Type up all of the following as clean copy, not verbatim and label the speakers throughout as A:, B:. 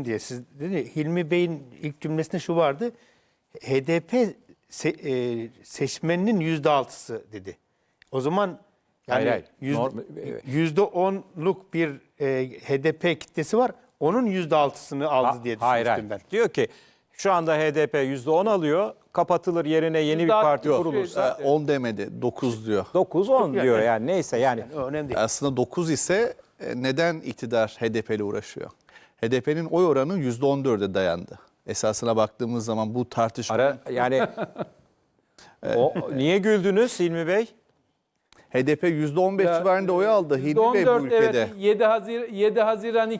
A: olsun diye siz dedi, Hilmi Bey'in ilk cümlesinde şu vardı. HDP seçmeninin %6'sı dedi. O zaman yani
B: Hayır.
A: %10'luk bir HDP kitlesi var. Onun %6'sını aldı diye düşünmüştüm ben.
B: Diyor ki şu anda HDP %10 alıyor. Kapatılır, yerine yeni bir parti kurulursa
C: 10 demedi, 9 diyor.
B: 9-10 diyor yani, neyse yani.
A: O önemli değil.
C: Aslında 9 ise neden iktidar HDP ile uğraşıyor? HDP'nin oy oranı %14'e dayandı. Esasına baktığımız zaman bu tartışma...
B: Yani niye güldünüz Hilmi Bey?
C: HDP %15 civarında oy aldı Hilmi Bey bu
D: %14,
C: ülkede.
D: evet, 7 Haziran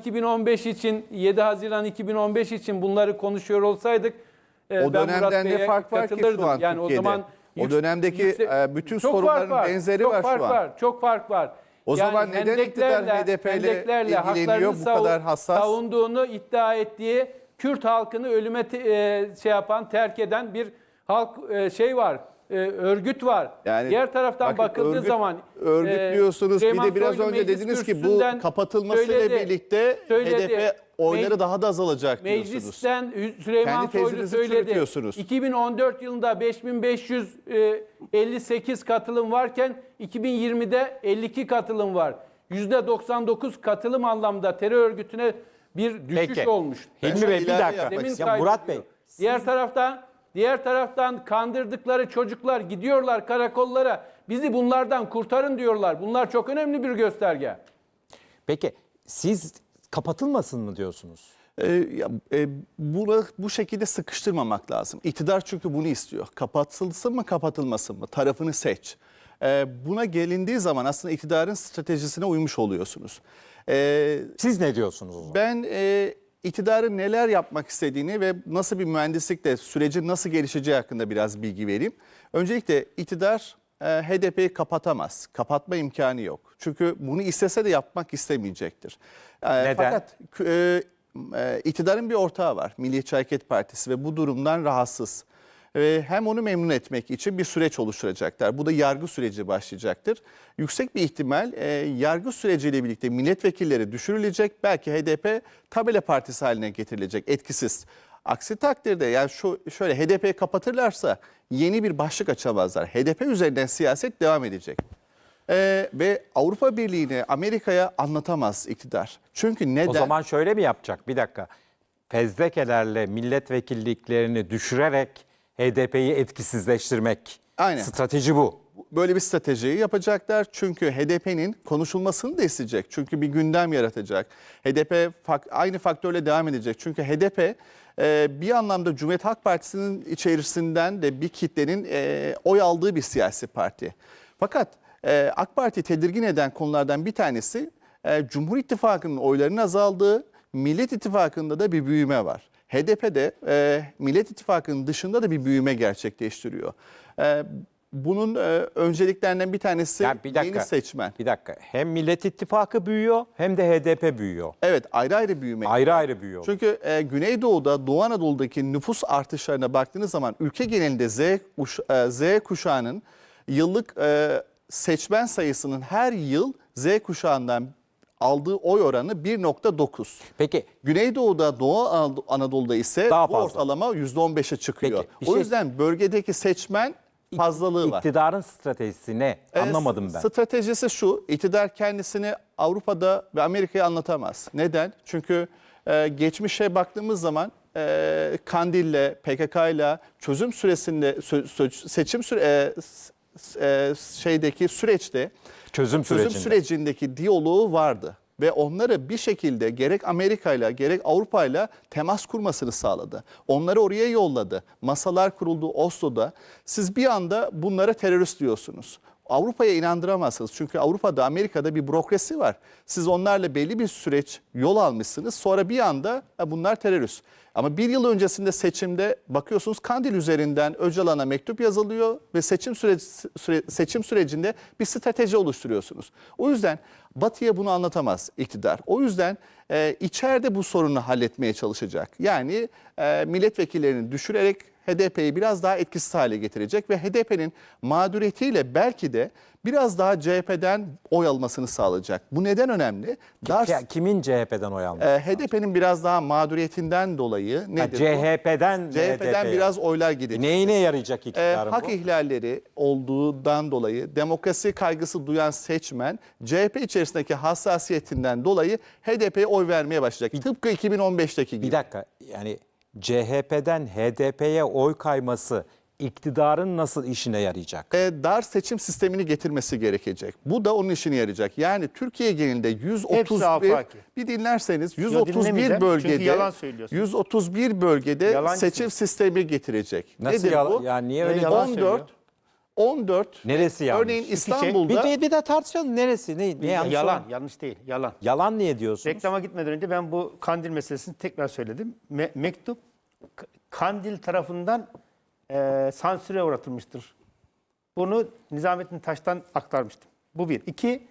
D: 2015 için bunları konuşuyor olsaydık
C: O
D: ben Murat
C: dönemden ne
D: Bey'e
C: fark var ki
D: katılırdım.
C: şu an
D: yani
C: Türkiye'de?
D: o zaman
C: O dönemdeki bütün
D: çok
C: sorunların
D: fark
C: benzeri
D: çok
C: var
D: fark
C: şu an.
D: Çok fark var.
C: O zaman neden iktidar HDP ile ilgileniyor, bu kadar hassas?
D: Savunduğunu iddia ettiği Kürt halkını ölüme terk eden bir halk var. Örgüt var.
C: Yani
D: diğer taraftan
C: bakın,
D: bakıldığı zaman
C: örgütlüyorsunuz. Bir
D: Süleyman
C: de biraz
D: Soylu
C: önce
D: meclis
C: dediniz ki bu
D: kürsüsünden
C: kapatılmasıyla birlikte
D: söyledi.
C: HDP oyları daha da azalacak diyorsunuz.
D: Meclisten Süleyman
C: Kendi
D: Soylu
C: tezinizi
D: söyledi.
C: çürütüyorsunuz.
D: 2014 yılında 5558 katılım varken 2020'de 52 katılım var. %99 katılım anlamda terör örgütüne bir düşüş
B: Peki.
D: olmuş.
B: Hilmi Bey bir
C: ilave
B: dakika.
C: yapmak
B: Ya Murat Bey.
D: Diğer taraftan kandırdıkları çocuklar gidiyorlar karakollara. Bizi bunlardan kurtarın diyorlar. Bunlar çok önemli bir gösterge.
B: Peki siz kapatılmasın mı diyorsunuz?
C: Bunu bu şekilde sıkıştırmamak lazım. İktidar çünkü bunu istiyor. Kapatılsın mı kapatılmasın mı? Tarafını seç. Buna gelindiği zaman aslında iktidarın stratejisine uymuş oluyorsunuz.
B: Siz ne diyorsunuz o zaman?
C: Ben iktidarın neler yapmak istediğini ve nasıl bir mühendislikle sürecin nasıl gelişeceği hakkında biraz bilgi vereyim. Öncelikle iktidar HDP'yi kapatamaz. Kapatma imkanı yok. Çünkü bunu istese de yapmak istemeyecektir.
B: Neden?
C: Fakat iktidarın bir ortağı var. Milliyetçi Hareket Partisi ve bu durumdan rahatsız. Hem onu memnun etmek için bir süreç oluşturacaklar. Bu da yargı süreci başlayacaktır. Yüksek bir ihtimal yargı süreciyle birlikte milletvekilleri düşürülecek. Belki HDP tabela partisi haline getirilecek, etkisiz. Aksi takdirde yani şöyle HDP'yi kapatırlarsa yeni bir başlık açamazlar. HDP üzerinden siyaset devam edecek. Ve Avrupa Birliği'ni Amerika'ya anlatamaz iktidar. Çünkü neden?
B: O zaman şöyle mi yapacak? Bir dakika. Fezlekelerle milletvekilliklerini düşürerek HDP'yi etkisizleştirmek.
C: Aynen.
B: Strateji bu.
C: Böyle bir stratejiyi yapacaklar. Çünkü HDP'nin konuşulmasını da isteyecek. Çünkü bir gündem yaratacak. HDP aynı faktörle devam edecek. Çünkü HDP bir anlamda Cumhuriyet Halk Partisi'nin içerisinden de bir kitlenin oy aldığı bir siyasi parti. Fakat AK Parti tedirgin eden konulardan bir tanesi Cumhur İttifakı'nın oylarının azaldığı, Millet İttifakı'nda da bir büyüme var. HDP'de Millet İttifakı'nın dışında da bir büyüme gerçekleştiriyor. Bunun önceliklerinden bir tanesi
B: Yani bir dakika,
C: yeni seçmen.
B: Bir dakika. Hem Millet İttifakı büyüyor hem de HDP büyüyor.
C: Evet, ayrı ayrı büyüme.
B: Ayrı ayrı büyüyor.
C: Çünkü Güneydoğu'da, Doğu Anadolu'daki nüfus artışlarına baktığınız zaman ülke genelinde Z kuşağının yıllık seçmen sayısının her yıl Z kuşağından aldığı oy oranı 1.9.
B: Peki.
C: Güneydoğu'da, Doğu Anadolu'da ise
B: Daha
C: bu
B: fazla.
C: ortalama %15'e çıkıyor.
B: Peki,
C: O yüzden bölgedeki seçmen fazlalığı var.
B: İktidarın stratejisi ne? Anlamadım ben.
C: Stratejisi şu, iktidar kendisini Avrupa'da ve Amerika'ya anlatamaz. Neden? Çünkü geçmişe baktığımız zaman Kandil'le, PKK'yla çözüm süresinde, süreçte
B: Çözüm
C: sürecindeki diyaloğu vardı. Ve onları bir şekilde gerek Amerika'yla gerek Avrupa'yla temas kurmasını sağladı. Onları oraya yolladı. Masalar kuruldu Oslo'da. Siz bir anda bunlara terörist diyorsunuz. Avrupa'ya inandıramazsınız. Çünkü Avrupa'da, Amerika'da bir bürokrasi var. Siz onlarla belli bir süreç yol almışsınız. Sonra bir anda bunlar terörist. Ama bir yıl öncesinde seçimde bakıyorsunuz Kandil üzerinden Öcalan'a mektup yazılıyor ve seçim sürecinde bir strateji oluşturuyorsunuz. O yüzden Batı'ya bunu anlatamaz iktidar. O yüzden içeride bu sorunu halletmeye çalışacak. Yani milletvekillerini düşürerek HDP'yi biraz daha etkisiz hale getirecek ve HDP'nin mağduriyetiyle belki de biraz daha CHP'den oy almasını sağlayacak. Bu neden önemli?
B: Kimin CHP'den oy almış?
C: HDP'nin biraz daha mağduriyetinden dolayı nedir bu?
B: CHP'den
C: CHP'den biraz oylar gidecek.
B: Neyine yarayacak iktidarın
C: Hak
B: bu?
C: ihlalleri olduğundan dolayı demokrasi kaygısı duyan seçmen CHP içerisindeki hassasiyetinden dolayı HDP'ye oy vermeye başlayacak. Tıpkı 2015'teki gibi.
B: Bir dakika, yani CHP'den HDP'ye oy kayması iktidarın nasıl işine yarayacak?
C: Dar seçim sistemini getirmesi gerekecek. Bu da onun işine yarayacak. Yani Türkiye genelinde
A: Hepsi
C: 131
A: afaki.
C: bir dinlerseniz
A: dinlemeyeceğim.
C: 131
A: Çünkü
C: bölgede
A: yalan söylüyorsun.
C: 131 bölgede
A: Yalancısın.
C: seçim sistemi getirecek.
B: Nasıl
C: Nedir bu?
B: yani niye öyle?
A: yalan
C: 14
A: söylüyor.
C: 14
B: Neresi yanlış?
C: Örneğin
B: İki
C: İstanbul'da
B: Bir de tartışalım, neresi? Ne yanlış
A: Yalan,
B: olan?
A: yanlış değil. Yalan.
B: Yalan niye diyorsunuz?
A: Reklama gitmeden önce ben bu Kandil meselesini tekrar söyledim. Mektup Kandil tarafından sansüre uğratılmıştır. Bunu Nizamettin Taş'tan aktarmıştım. Bu bir. İki,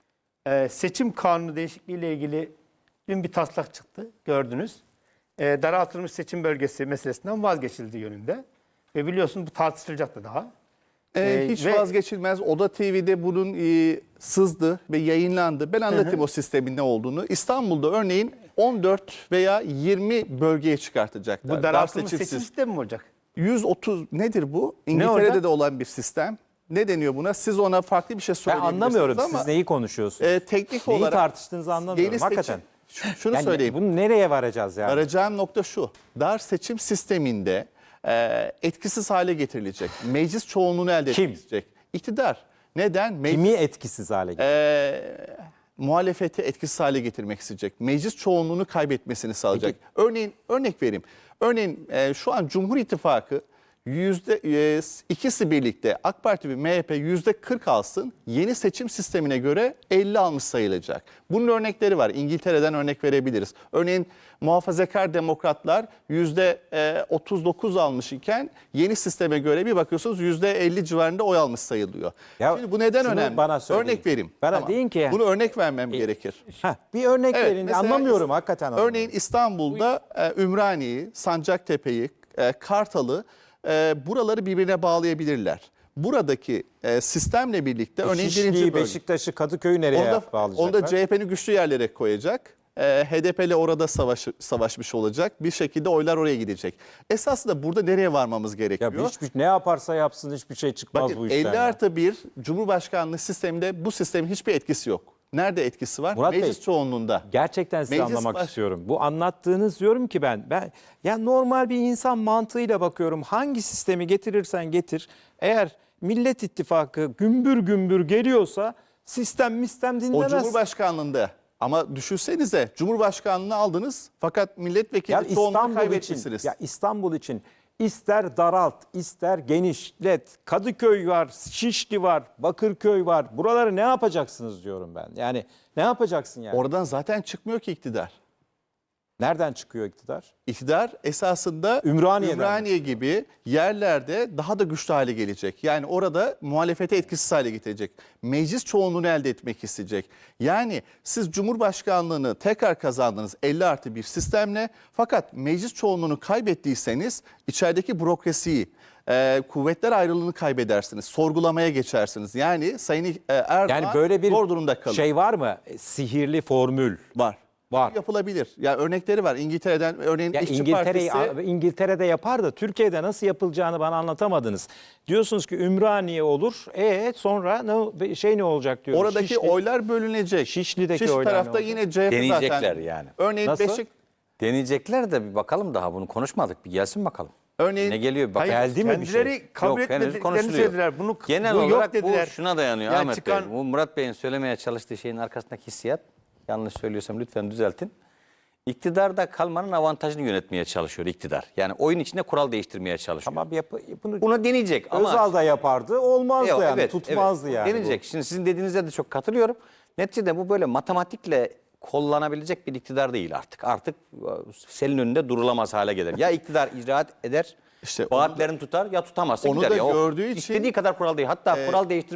A: seçim kanunu değişikliği ile ilgili dün bir taslak çıktı. Gördünüz. Daraltılmış seçim bölgesi meselesinden vazgeçildi yönünde. Ve biliyorsun bu tartışılacaktı daha.
C: hiç
A: ve-
C: vazgeçilmez. Oda TV'de bunun sızdı ve yayınlandı. Ben anlatayım o sistemin ne olduğunu. İstanbul'da örneğin 14 veya 20 bölgeye çıkartacaklar.
A: Bu
C: Dar
A: daraltılmış seçim
C: sistemi.
A: sistemi mi olacak?
C: 130 nedir bu?
A: olacak?
C: İngiltere'de de olan bir sistem. Ne deniyor buna? Siz ona farklı bir şey
B: Ben
C: söyleyebilirsiniz
B: anlamıyorum
C: ama
B: siz neyi konuşuyorsunuz.
C: teknik
B: Neyi
C: olarak
B: tartıştığınızı anlamıyorum
C: yeni
B: hakikaten.
C: Şunu
B: Yani
C: söyleyeyim.
B: bunu nereye varacağız yani?
C: Arayacağım nokta şu. Dar seçim sisteminde etkisiz hale getirilecek. Meclis çoğunluğunu elde
B: Kim?
C: edilecek. İktidar. Neden?
B: Kimi etkisiz hale getiriyor?
C: Muhalefeti etkisiz hale getirmek isteyecek. Meclis çoğunluğunu kaybetmesini sağlayacak. Örneğin örnek vereyim. Örneğin şu an Cumhur İttifakı ikisi birlikte AK Parti ve MHP %40 alsın, yeni seçim sistemine göre 50 almış sayılacak. Bunun örnekleri var. İngiltere'den örnek verebiliriz. Örneğin muhafazakar demokratlar %39 almış iken yeni sisteme göre bir bakıyorsunuz %50 civarında oy almış sayılıyor.
B: Ya
C: Şimdi bu neden
B: şunu
C: önemli?
B: bana söyleyin.
C: Örnek vereyim.
B: Bana deyin ki-
C: Bunu örnek vermem gerekir.
B: Bir örnek
C: Evet,
B: verin.
C: mesela
B: Anlamıyorum hakikaten. anlamıyorum.
C: Örneğin İstanbul'da Ümraniye'yi, Sancaktepe'yi, Kartal'ı buraları birbirine bağlayabilirler. Buradaki sistemle birlikte örneğin birinci
B: Şişli'yi,
C: bölge.
B: Beşiktaş'ı, Kadıköy'ü nereye bağlayacaklar?
C: Onda CHP'nin güçlü yerlere koyacak. HDP ile orada savaşmış olacak. Bir şekilde oylar oraya gidecek. Esasında burada nereye varmamız gerekiyor?
B: Ya ne yaparsa yapsın hiçbir şey çıkmaz
C: Bakın
B: bu işten.
C: 50+1 Cumhurbaşkanlığı sisteminde bu sistemin hiçbir etkisi yok. Nerede etkisi var?
B: Murat Bey,
C: Meclis çoğunluğunda.
B: Gerçekten size
C: Meclis
B: anlamak
C: baş-
B: istiyorum. Bu anlattığınız diyorum ki ben ya normal bir insan mantığıyla bakıyorum. Hangi sistemi getirirsen getir. Eğer Millet İttifakı gümbür gümbür geliyorsa sistem
C: O
B: dinlemez.
C: Cumhurbaşkanlığında. Ama düşünsenize Cumhurbaşkanlığını aldınız fakat milletvekili çoğunluğunu kaybetmişsiniz.
B: İstanbul için ister daralt, ister genişlet. Kadıköy var, Şişli var, Bakırköy var. Buraları ne yapacaksınız diyorum ben. Yani ne yapacaksın yani?
C: Oradan zaten çıkmıyor ki iktidar.
B: Nereden çıkıyor iktidar?
C: İktidar esasında
B: Ümraniye'den.
C: Ümraniye gibi yerlerde daha da güçlü hale gelecek. Yani orada muhalefete etkisiz hale getirecek. Meclis çoğunluğunu elde etmek isteyecek. Yani siz Cumhurbaşkanlığını tekrar kazandınız 50+1 sistemle. Fakat meclis çoğunluğunu kaybettiyseniz içerideki bürokrasiyi, kuvvetler ayrılığını kaybedersiniz. Sorgulamaya geçersiniz. Yani Sayın Erdoğan
B: Yani böyle bir
C: zor durumda kalır.
B: şey var mı? Sihirli formül.
C: Var.
B: Var.
C: Yapılabilir. Ya örnekleri var. İngiltere'den örneğin
B: Ya
C: İşçi Partisi.
B: İngiltere'de yapar da Türkiye'de nasıl yapılacağını bana anlatamadınız. Diyorsunuz ki Ümraniye olur. Sonra ne olacak diyoruz.
C: Oradaki oylar bölünecek.
B: Şişli'deki
C: Şişli
B: oylar ne
C: tarafta
B: olacak?
C: yine CHP
E: Deneyecekler
C: zaten.
E: yani.
C: Örneğin
B: Nasıl?
E: Deneyecekler de bir bakalım, daha bunu konuşmadık. Bir gelsin bakalım.
C: Örneğin
E: Ne geliyor bir bakalım.
B: Geldi mi bir şey?
A: Kendileri kabul
E: Yok, henüz
A: etmediklerini
E: konuşuluyor.
A: söylediler. Bunu,
E: Genel
A: bu yok
E: olarak
A: dediler.
E: bu şuna dayanıyor
A: Yani
E: Ahmet
A: çıkan-
E: Bey. Bu Murat Bey'in söylemeye çalıştığı şeyin arkasındaki hissiyat, yanlış söylüyorsam lütfen düzeltin. İktidarda kalmanın avantajını yönetmeye çalışıyor iktidar. Yani oyun içinde kural değiştirmeye çalışıyor.
B: Tamam bunu
E: Bunu deneyecek ama...
B: Özal da yapardı. Olmazdı
E: Yok,
B: yani.
E: evet,
B: Tutmazdı
E: evet.
B: yani. bu.
E: Deneyecek. Şimdi sizin dediğinize de çok katılıyorum. Neticede bu böyle matematikle kollanabilecek bir iktidar değil artık. Artık senin önünde durulamaz hale gelir. Ya iktidar icraat eder,
C: İşte
E: vaatlerini tutar ya tutamazsa
C: onu
E: gider.
C: da
E: Ya o
C: gördüğü için-
E: istediği kadar kural değil. Hatta kural değiştirmek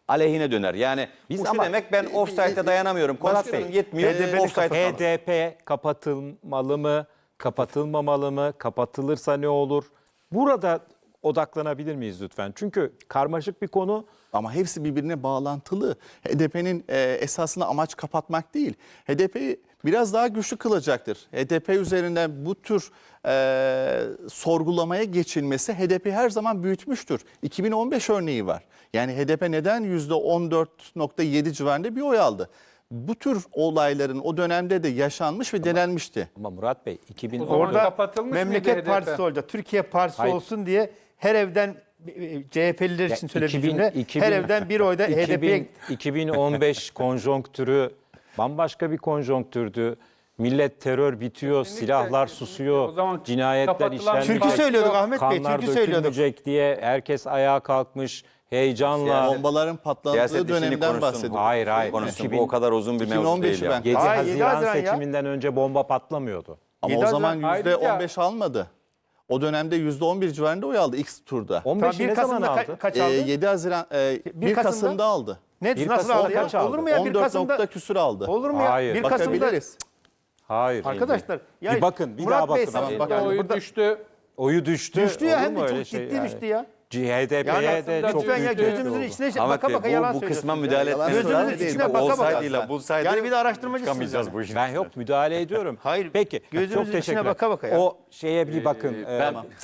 E: aleyhine döner. Yani
B: Biz
E: bu şu
B: ama-
E: demek, ben offside'e dayanamıyorum. Kondisyonum yetmiyor. Offside
B: HDP kapatılmalı mı? Kapatılmamalı mı? Kapatılırsa ne olur? Burada odaklanabilir miyiz lütfen? Çünkü karmaşık bir konu.
C: Ama hepsi birbirine bağlantılı. HDP'nin esasında amaç kapatmak değil. HDP'yi biraz daha güçlü kılacaktır. HDP üzerinden bu tür sorgulamaya geçilmesi HDP her zaman büyütmüştür. 2015 örneği var. Yani HDP neden %14.7 civarında bir oy aldı? Bu tür olayların o dönemde de yaşanmış ve denenmişti.
B: Ama Murat Bey
D: O zaman
A: Orada
D: kapatılmış mıydı
A: Memleket
D: HDP?
A: Partisi olacak. Türkiye Partisi
B: Hayır.
A: olsun diye her evden CHP'liler için söylediğim
B: 2000
A: cümle her evden bir oyda HDP'ye
B: 2015 konjonktürü bambaşka bir konjonktürdü. Millet terör bitiyor,
D: Kesinlikle,
B: silahlar
D: kesinlikle.
B: susuyor,
D: O zaman
B: cinayetler
D: kapatılan
B: işlenmeyecek.
A: Türkü söylüyorduk Ahmet Bey,
B: Kanlar
A: türkü söylüyorduk.
B: dökülmeyecek diye herkes ayağa kalkmış heyecanla.
C: Bombaların patladığı
E: Siyaset işini
C: dönemden
E: konuşsun.
C: bahsediyorum.
B: Hayır hayır.
E: Konuşsun.
B: 2000
E: Bu o kadar uzun bir mevzu
C: 2015'i
E: değil ya.
C: ben-
B: 7
A: Hayır, 7
B: Haziran
A: Haziran ya.
B: seçiminden önce bomba patlamıyordu.
C: Ama
A: 7
C: o zaman
A: Haziran-
C: %15 almadı. O dönemde %11 civarında oy aldı ilk turda.
B: 15'i ne zaman aldı?
A: kaç aldı?
C: 7 Haziran 1
A: Kasım'da
C: Kasım'da aldı.
A: Ne
B: bir
A: nasıl
B: Kasım'da
A: aldı ya?
B: kaç aldı?
A: Olur mu ya 1
C: 14
A: Kasım'da?
C: nokta küsür aldı.
A: Olur mu ya?
B: Hayır.
A: 1 Kasım'da
C: Bakabiliriz.
B: Hayır.
A: arkadaşlar ya
B: Bir bakın, bir
A: Murat
B: daha bakın.
A: Bey,
B: Tamam,
A: siz-
C: bak-
A: yani
D: Oyu
A: burada
D: düştü.
B: Oyu düştü.
A: düştü ya,
B: Olur
A: hem
B: mu
A: de
B: öyle
A: çok
B: şey
A: ciddi
B: yani?
A: düştü ya.
B: HDP'ye
A: Yani
B: de çok
A: lütfen ya
B: büyük
A: gözümüzün
B: oldu.
A: içine
E: Ahmet
A: baka
E: Bey,
A: baka yalan
E: bu kısma
A: söylüyorsunuz
E: müdahale
A: ya.
E: etmeniz
A: Gözünüzün
C: lazım.
A: içine
C: Bu
A: baka baka.
E: olsaydıyla bulsaydı
A: Yani bir de araştırmacısınız
E: çıkamayacağız
A: yani.
E: bu işin.
B: Ben yok müdahale ediyorum.
A: Hayır,
B: Peki.
A: gözümüzün
B: çok
A: içine
B: teşekkürler.
A: baka baka ya.
B: O şeye bir bakın.
E: Ben